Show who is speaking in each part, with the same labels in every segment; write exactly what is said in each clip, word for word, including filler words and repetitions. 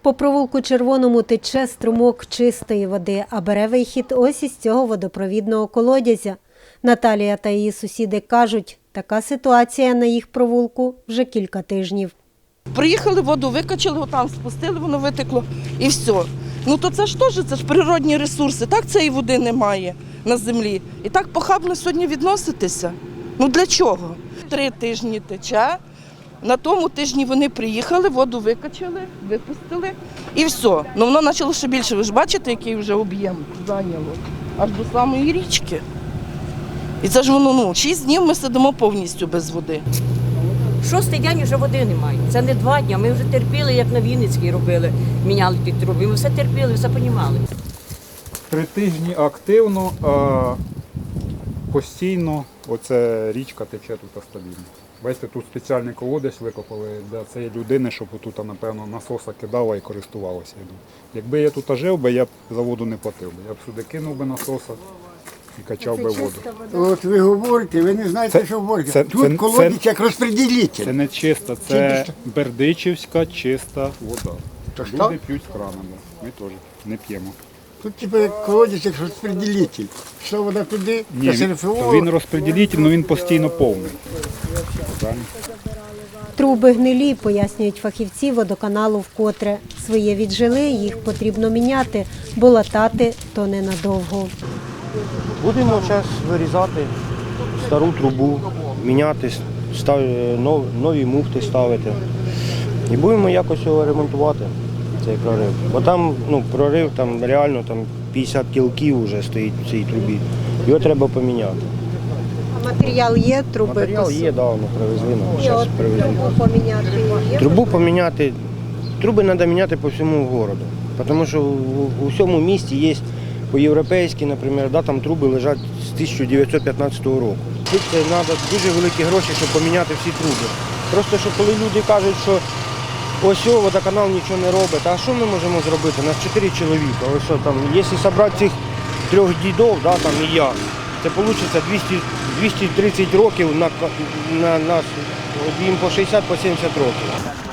Speaker 1: По провулку Червоному тече струмок чистої води, а бере вихід ось із цього водопровідного колодязя. Наталія та її сусіди кажуть, така ситуація на їх провулку вже кілька тижнів.
Speaker 2: Приїхали, воду викачали, отам спустили, воно витекло і все. Ну то це ж теж, це ж природні ресурси, так цієї води немає на землі. І так похабно сьогодні відноситися. Ну для чого? Три тижні тече, на тому тижні вони приїхали, воду викачали, випустили і все. Ну воно почало ще більше, ви ж бачите, який вже об'єм зайняло, аж до самої річки. І це ж воно, ну, шість днів ми сидимо повністю без води.
Speaker 3: Шостий день вже води немає. Це не два дні. Ми вже терпіли, як на Вінницькій робили, міняли ті труби. Ми все терпіли, все розуміли.
Speaker 4: Три тижні активно, а постійно оця річка тече тут стабільно. Бачите, тут спеціальний колодязь викопали для цієї людини, щоб тут, напевно, насоса кидала і користувалася. Якби я тут жив би, я б за воду не платив. Я б сюди кинув би насоса і качав би воду.
Speaker 5: От ви говорите, ви не знаєте,
Speaker 4: Це-
Speaker 5: що говорите.
Speaker 4: це-
Speaker 5: Тут
Speaker 4: це-
Speaker 5: колодязь
Speaker 4: це-
Speaker 5: як розподілитель.
Speaker 4: Це не чиста, це бердичівська чиста вода.
Speaker 5: То що?
Speaker 4: Люди п'ють з крана, ми теж не п'ємо.
Speaker 5: Тут типу як колодязь як розподілитель. Що вода туди,
Speaker 4: Ні,
Speaker 5: та
Speaker 4: він,
Speaker 5: СРФО.
Speaker 4: він розподілитель, але він постійно повний. Правильно?
Speaker 1: Труби гнилі, пояснюють фахівці водоканалу вкотре. Своє віджили, їх потрібно міняти, бо латати то ненадовго.
Speaker 6: Будемо зараз вирізати стару трубу, міняти, став- нов- нові муфти ставити. І будемо якось його ремонтувати, цей прорив. Бо там ну, прорив там, реально там, п'ятдесят кілків вже стоїть в цій трубі. Його треба поміняти.
Speaker 1: А матеріал є, труби?
Speaker 6: Матеріал є, давно привезли, нам
Speaker 1: І
Speaker 6: зараз
Speaker 1: от
Speaker 6: привезли.
Speaker 1: трубу поміняти є?
Speaker 6: Трубу поміняти, труби треба міняти по всьому місту. Тому що у всьому місті є по-європейськи, наприклад, да, там труби лежать з тисяча дев'ятсот п'ятнадцятого року. Тут це треба дуже великі гроші, щоб поміняти всі труби. Просто що коли люди кажуть, що ось о, водоканал нічого не робить, а що ми можемо зробити? Нас чотири чоловіка. Ось що, там, якщо зібрати цих трьох дідів, да, там, і я, це вийде двісті, двісті тридцять років на, на нас, їм по шістдесят, по сімдесят років.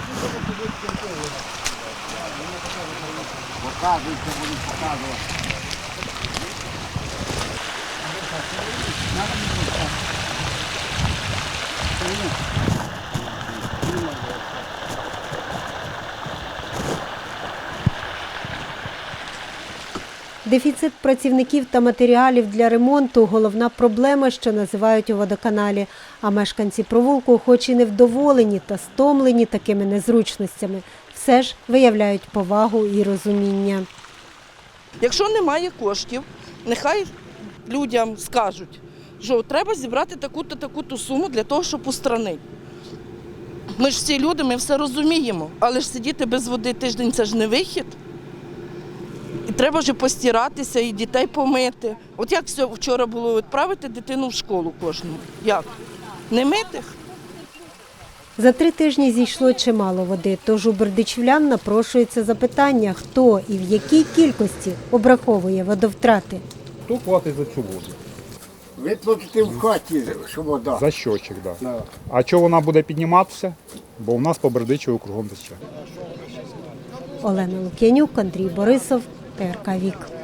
Speaker 1: Дефіцит працівників та матеріалів для ремонту – головна проблема, що називають у водоканалі. А мешканці провулку, хоч і невдоволені та стомлені такими незручностями, все ж виявляють повагу і розуміння.
Speaker 2: Якщо немає коштів, нехай людям скажуть, що треба зібрати таку-то, таку-то суму для того, щоб устранити. Ми ж всі люди, ми все розуміємо, але ж сидіти без води тиждень – це ж не вихід. І треба ж постиратися, і дітей помити. От як вчора було відправити дитину в школу кожну? Як? Не митих?
Speaker 1: За три тижні зійшло чимало води, тож у бердичівлян напрошується запитання, хто і в якій кількості обраховує водовтрати.
Speaker 4: Хто платить за цю воду?
Speaker 5: Ви платите в хаті, що вода.
Speaker 4: За щочик, так. Да.
Speaker 5: Да.
Speaker 4: А чого вона буде підніматися? Бо у нас по Бердичеву кругом тече.
Speaker 1: Олена Лук'янюк, Андрій Борисов, Т Р К Вік.